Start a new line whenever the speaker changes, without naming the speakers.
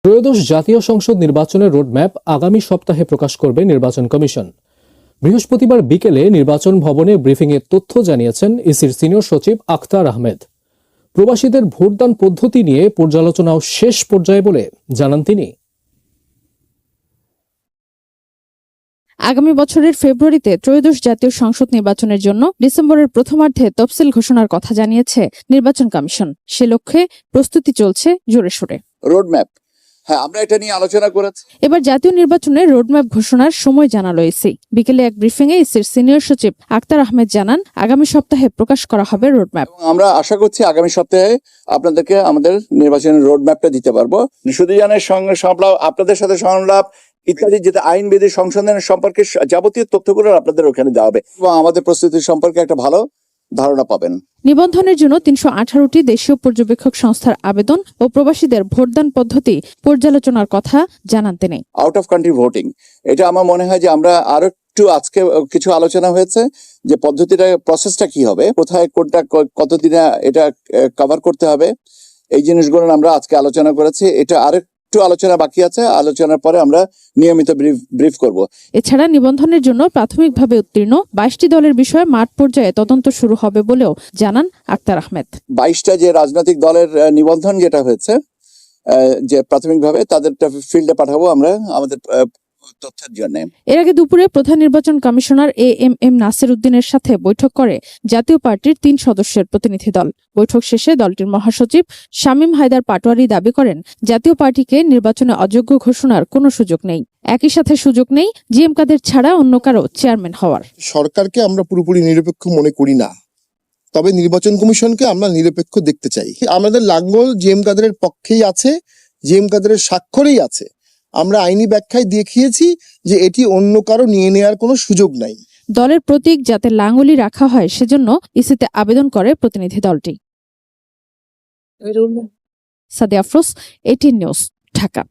ত্রয়োদশ জাতীয় সংসদ নির্বাচনের রোডম্যাপ আগামী সপ্তাহে প্রকাশ করবে নির্বাচন কমিশন। বৃহস্পতিবার বিকেলে নির্বাচন ভবনে ব্রিফিংয়ে তথ্য জানিয়েছেন ইসির সিনিয়র সচিব আখতার আহমেদ। প্রবাসীদের ভোটদান পদ্ধতি নিয়ে পর্যালোচনাও শেষ পর্যায়ে বলে জানান তিনি।
আগামী বছরের ফেব্রুয়ারিতে ত্রয়োদশ জাতীয় সংসদ নির্বাচনের জন্য ডিসেম্বরের প্রথমার্ধে তফসিল ঘোষণার কথা জানিয়েছে নির্বাচন কমিশন। সে লক্ষ্যে প্রস্তুতি চলছে জোরে সোরে।
রোডম্যাপ, হ্যাঁ, আমরা এটা নিয়ে আলোচনা করেছি।
এবার জাতীয় নির্বাচনের রোডম্যাপ ঘোষণার সময় জানালো ইসি। বিকেলে এক ব্রিফিংয়ে ইসির সিনিয়র সচিব আখতার আহমেদ জানান, আগামী সপ্তাহে প্রকাশ করা হবে রোডম্যাপ।
আমরা আশা করছি আগামী সপ্তাহে আপনাদেরকে আমাদের নির্বাচনের রোডম্যাপটা দিতে পারবো। সুদীজানের সঙ্গে সংলাপ, আপনাদের সাথে সংলাপ ইত্যাদি, যেটা আইন বিধি সংশোধনের সম্পর্কে যাবতীয় তথ্যগুলো আপনাদের ওখানে দেওয়া হবে এবং আমাদের প্রস্তুতি সম্পর্কে একটা ভালো ধারণা পাবেন।
নিবন্ধনের জন্য ৩১৮টি দেশীয় পর্যবেক্ষক সংস্থার আবেদন ও প্রবাসীদের ভোটদান পদ্ধতি পর্যালোচনার কথা জানান তিনি।
আউট অফ কান্ট্রি ভোটিং, এটা আমার মনে হয় যে আমরা আরো একটু আজকে কিছু আলোচনা হয়েছে যে পদ্ধতিটা, প্রসেসটা কি হবে, কোথায় কোনটা কতদিনে এটা কভার করতে হবে, এই জিনিসগুলো আমরা আজকে আলোচনা করেছি। এটা আরেকটু আলোচনা বাকি আছে, আলোচনার পরে আমরা নিয়মিত ব্রিফ করব।
এছাড়া নিবন্ধনের জন্য প্রাথমিকভাবে উত্তীর্ণ ২২টি দলের বিষয়ে মাঠ পর্যায়ে তদন্ত শুরু হবে বলেও জানান আখতার আহমেদ।
২২টা যে রাজনৈতিক দলের নিবন্ধন যেটা হয়েছে, যে প্রাথমিকভাবে তাদেরটা ফিল্ডে পাঠাবো আমরা আমাদের তথ্যের জন্য।
এর আগে দুপুরে প্রধান নির্বাচন কমিশনার এএমএম নাসির উদ্দিনের সাথে বৈঠক করে জাতীয় পার্টির ৩ সদস্যের প্রতিনিধি দল। বৈঠক শেষে দলটির মহাসচিব শামীম হায়দার পাটোয়ারি দাবি করেন, জাতীয় পার্টিকে নির্বাচনে অযোগ্য ঘোষণার কোনো সুযোগ নেই। একই সাথে সুযোগ নেই জিএম কাদের ছাড়া অন্য কারো চেয়ারম্যান হওয়ার।
সরকারকে আমরা পুরোপুরি নিরপেক্ষ মনে করি না, তবে নির্বাচন কমিশনকে আমরা নিরপেক্ষ দেখতে চাই। আমাদের লাঙ্গল জিএম কাদেরের পক্ষেই আছে, জিএম কাদেরের স্বাক্ষরেই আছে। আমরা আইনি ব্যাখ্যায় দেখিয়েছি যে এটি অন্য কারো নিয়ে নেওয়ার কোনো সুযোগ নাই।
দলের প্রতীক যাতে লাঙ্গলই রাখা হয় সেজন্য ইসিতে আবেদন করে প্রতিনিধি দলটি। সাদিয়া আফরোজ, 18 নিউজ, ঢাকা।